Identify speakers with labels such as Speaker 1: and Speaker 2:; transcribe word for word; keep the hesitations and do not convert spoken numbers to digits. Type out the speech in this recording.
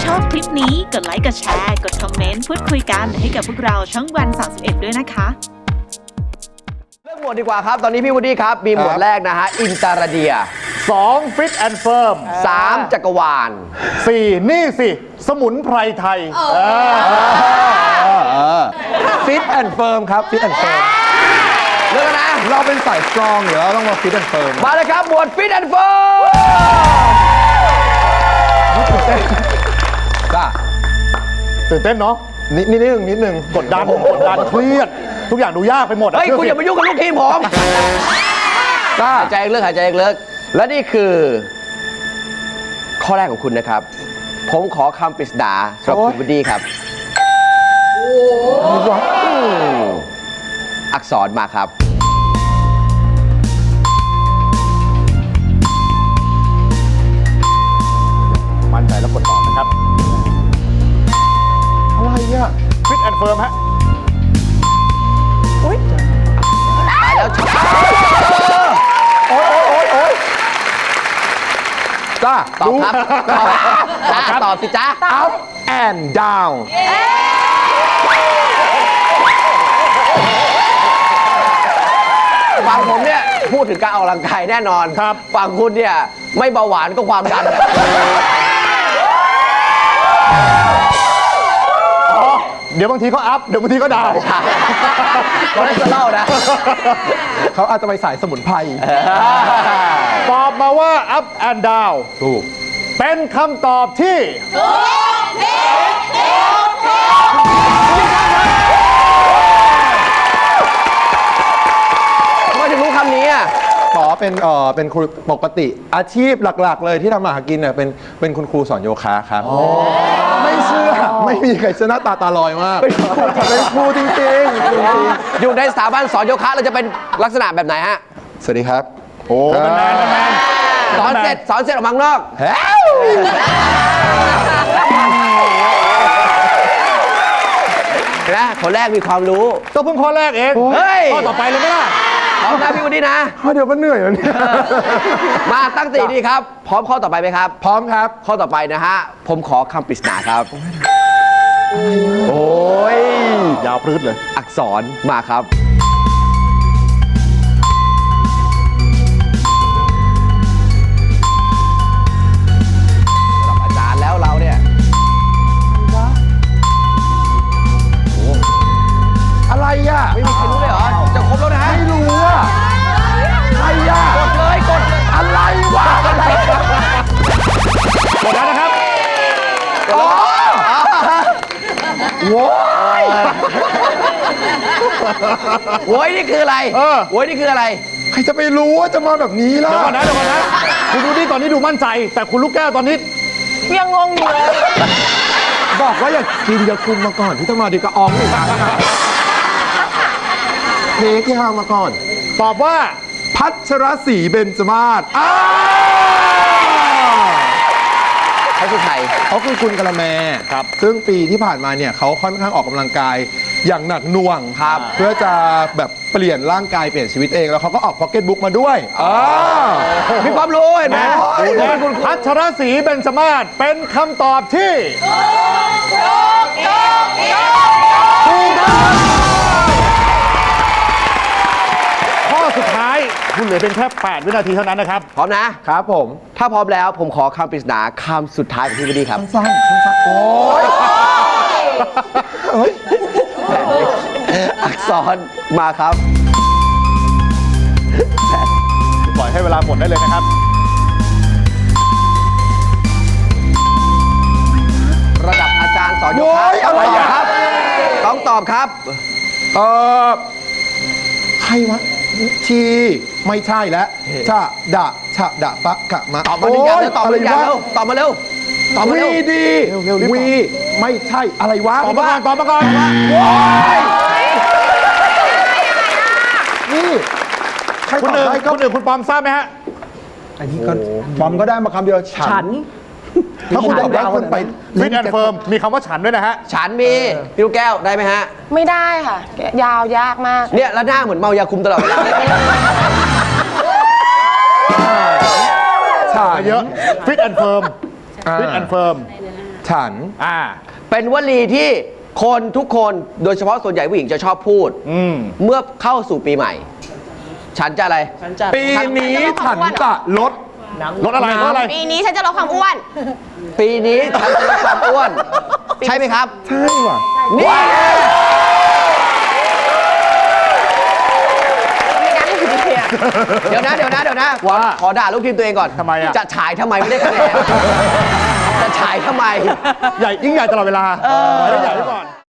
Speaker 1: ชอบคลิปนี้กดไลค์กดแชร์กดคอมเมนต์พูดคุยกันให้กับพวกเราช่องวันสามสิบเอ็ดด้วยนะคะ
Speaker 2: เรื่องหมวดดีกว่าครับ ตอนนี้พี่วูดดี้ครับ มีหมวดแรกนะฮะ อินตาราเดีย
Speaker 3: สองฟิตแอนด์เฟิร์ม
Speaker 2: สามจักรวาล
Speaker 3: สี่นี่สิ สมุนไพรไทย
Speaker 4: ฟิตแอนด์เฟิร์มครับฟิตแอนด์เฟิร์ม
Speaker 2: เรื่องนะ
Speaker 4: เราเป็นสายสตรองอยู่แล้วต้องมาฟิตแอนด์เฟิร์ม
Speaker 2: มาเลยครับ หมวดฟิตแอนด์เฟิร์ม
Speaker 4: จ้า
Speaker 3: ตื่นเต้นเนาะ
Speaker 4: นิดนิดนึงนิดนึง
Speaker 3: กดดันกดดันเครียด ทุกอย่างดูยากไปหมด
Speaker 2: เฮ้ย คุณอย่ามายุ่งกับลูกทีมผม
Speaker 4: จ้า
Speaker 2: หายใจเลิกหายใจเลิกและนี่คือ ข้อแรกของคุณนะครับ ผมขอคำปริศนาสำหรับคุณวูดดี้ครับอืมอักษรมาครับ
Speaker 3: มั่นใจแล้วกดตอบนะครับ
Speaker 4: อะไรอ่ะ
Speaker 3: ฟิตแอนด์เฟิร์มฮะ
Speaker 2: ตายแล้วช็อต
Speaker 4: โอ๊ยโอ๊ยโอ๊ยจ้า
Speaker 2: ตอบครับตอบจ้าตอบสิจ้า
Speaker 4: up and down
Speaker 2: ฝั่งผมเนี่ย พูดถึงการออกกำลังกายแน่นอน
Speaker 3: ครับ
Speaker 2: ฝั่งคุณเนี่ย ไม่เบาหวานก็ความดัน
Speaker 3: เดี๋ยวบางทีก็อัพ เดี๋ยวบางทีก็ดาว
Speaker 2: ก็ได้จะเล่านะ
Speaker 4: เขาอาจจะไปสายสมุนไพร
Speaker 3: ตอบมาว่า up and down
Speaker 4: ถูก
Speaker 3: เป็นคำตอบที่
Speaker 2: ทำไมถึงรู้คำนี้อ่ะ
Speaker 4: ขอเป็นเอ่อเป็นครูปกติ อาชีพหลักๆ เลยที่ทำมาหากินเนี่ยเป็นเป็นคุณครูสอนโยคะครับไม่เชื่อไม่มีใครชนะตาตาลอยมากเป็นครูจริงๆจริง
Speaker 2: อยู่ในสถาบันสอนโยคะเราจะเป็นลักษณะแบบไหนฮะ
Speaker 4: ๆสวัสดีครับ
Speaker 3: โอ้มันแมนมันแมน
Speaker 2: สอนเสร็จสอนเสร็จออกมาข้างนอก
Speaker 4: แฮ้ว
Speaker 2: เห็นไหมคนแรกมีความรู้
Speaker 3: ก็เพิ่งข้อแรกเอง
Speaker 2: เฮ้ย
Speaker 3: ข้อต่อไปเลยไหมล่ะ
Speaker 2: พร้อมนะพี่วันนี้นะ
Speaker 4: เดี๋ยวมันเหนื่อยแล้วเนี่ย
Speaker 2: มาตั้งสติดีครับ พร้อมข้อต่อไปไหมครับ
Speaker 4: พร้อมครับ
Speaker 2: ข้อต่อไปนะฮะ ผมขอคำปริศนาครับ โอ้ย
Speaker 3: ยาวพรืดเลย
Speaker 2: อักษรมาครับ ระดับอาจารย์แล้วเราเนี่ย
Speaker 4: อะไรอ่ะ
Speaker 2: ไม่มีใครรู้เลยเหรอ จะครบแล้วนะ
Speaker 4: ไม่รู้อ่ะอะไรอ่ะ
Speaker 2: กดเลยกดเลย
Speaker 4: อะไรวะอะไร
Speaker 3: กดแล้วนะครับ
Speaker 4: อ๋อโว้ย
Speaker 2: โว้ยนี่คืออะไร
Speaker 3: เออ
Speaker 2: โว้ยนี่คืออะไร
Speaker 4: ใครจะไปรู้ว่าจะมาแบบนี้ล่ะ
Speaker 3: เดี๋ยวก่อนนะเดี๋ยวก่อนนะ คุณดูนี่ตอนนี้ดูมั่นใจ แต่คุณลูกแก้วตอนนี้
Speaker 1: ยังงงอยู่เลย
Speaker 4: บอกว่าอย่ากินอย่าคุมมาก่อนที่จะมาดีกระอองอีกครั้งนะเทคที่ห้ามาก่อน
Speaker 3: ตอบว่า
Speaker 4: พัชรศรีเบญจมาศอ้า
Speaker 2: เขาคือใคร
Speaker 4: เขาคือคุณกะละแม
Speaker 3: ครับ
Speaker 4: ซึ่งปีที่ผ่านมาเนี่ยเขาค่อนข้างออกกำลังกายอย่างหนักหน่วง
Speaker 2: ครับ
Speaker 4: เพื่อจะแบบเปลี่ยนร่างกายเปลี่ยนชีวิตเองแล้วเขาก็ออกพ็อกเก็ตบุ๊กมาด้วยอ่า
Speaker 2: มีความรู้เห็นไหม
Speaker 3: และพัชรศรีเบญจมาศเป็นคำตอบที่ถูกต้องข้อสุดท้ายคุณเหลือเป็นแค่แปดวินาทีเท่านั้นนะครับ
Speaker 2: พร้อมนะ
Speaker 4: ครับผม
Speaker 2: ถ้าพร้อมแล้วผมขอคำปริศนาคำสุดท้ายของพี่วดีครับ
Speaker 4: สั้นๆสั้นๆโอ้ยเฮ้ย
Speaker 2: อักษรมาครับ
Speaker 3: ปล่อยให้เวลาหมดได้เลยนะครับ
Speaker 2: ระดับอาจารย์สอนโย
Speaker 4: โอ้
Speaker 2: คะ
Speaker 4: ยอะไร
Speaker 2: ต้องตอบ
Speaker 4: อ่ะ
Speaker 2: ครับ ต้องตอบครับ
Speaker 4: เออใครวะชีไม่ใช่แล้วชะดะชะดะปะกะมะ
Speaker 2: ตอบมาหนึ่งอย่างเร็วตอบมาหนึ่งอย่าง
Speaker 4: ะไร
Speaker 2: เร็ว
Speaker 4: วะ
Speaker 2: ตอบมาเร็ว ตอบมาเร็ว
Speaker 4: วีดี
Speaker 3: เร็วๆรีบตอบ
Speaker 4: วีไม่ใช่อะไรวะ
Speaker 3: ตอบมาก่อนตอบมาก่อน
Speaker 4: นี่ใคร
Speaker 3: คุณ
Speaker 4: ตอบ
Speaker 3: หนึ่ง
Speaker 4: ได้ก็
Speaker 3: คุณหนึ่งคุณปอมทราบไหมฮะ
Speaker 4: อันนี้ก็บอมก็ได้มาคำเดียวฉัน ถ้าคุณตอบได้คุณไป
Speaker 3: ฟิตแอนด์เฟิร์มมีคำว่าฉันด้วยนะฮะ
Speaker 2: ฉันมีพี่ลูกแก้วได้ไหมฮะ
Speaker 5: ไม่ได้ค่ะ ยาวยากมาก
Speaker 2: เนี่ยแล้วหน้าเหมือนเมายาคุมตลอดเวลา
Speaker 4: ฉัน
Speaker 3: เยอะฟิตแอนด์เฟิร์ม
Speaker 4: อ่า
Speaker 3: ฟิตแอนด์เฟิร์ม
Speaker 4: ฉัน
Speaker 3: อ่า
Speaker 2: เป็นวลีที่คนทุกคนโดยเฉพาะส่วนใหญ่ผู้หญิงจะชอบพูด
Speaker 3: อืม
Speaker 2: เมื่อเข้าสู่ปีใหม่ ฉันจะอะไร
Speaker 4: ปีนี้ฉันจะลด
Speaker 3: รถอะไรรถอะไร
Speaker 5: ปีนี้ฉันจะลดความอ้วน
Speaker 2: ปีนี้ฉันจะลดความอ้วน ใช่ไหมครับ
Speaker 4: ใช่ว่ะ
Speaker 2: นี่
Speaker 5: ไม่ได้เนี่ย
Speaker 2: เดี๋ยวนะเดี๋ยวนะเดี๋ยวนะขอ
Speaker 3: ว่า
Speaker 2: ขอด่าลูกทีมตัวเองก่อน
Speaker 3: ทำไมอะ
Speaker 2: จะฉายทำไมไม่ได้คะแนนจะฉายทำไม
Speaker 3: ใหญ่ยิ่งใหญ่ตลอดเวลาไว้ใหญ่ไว้ก่อน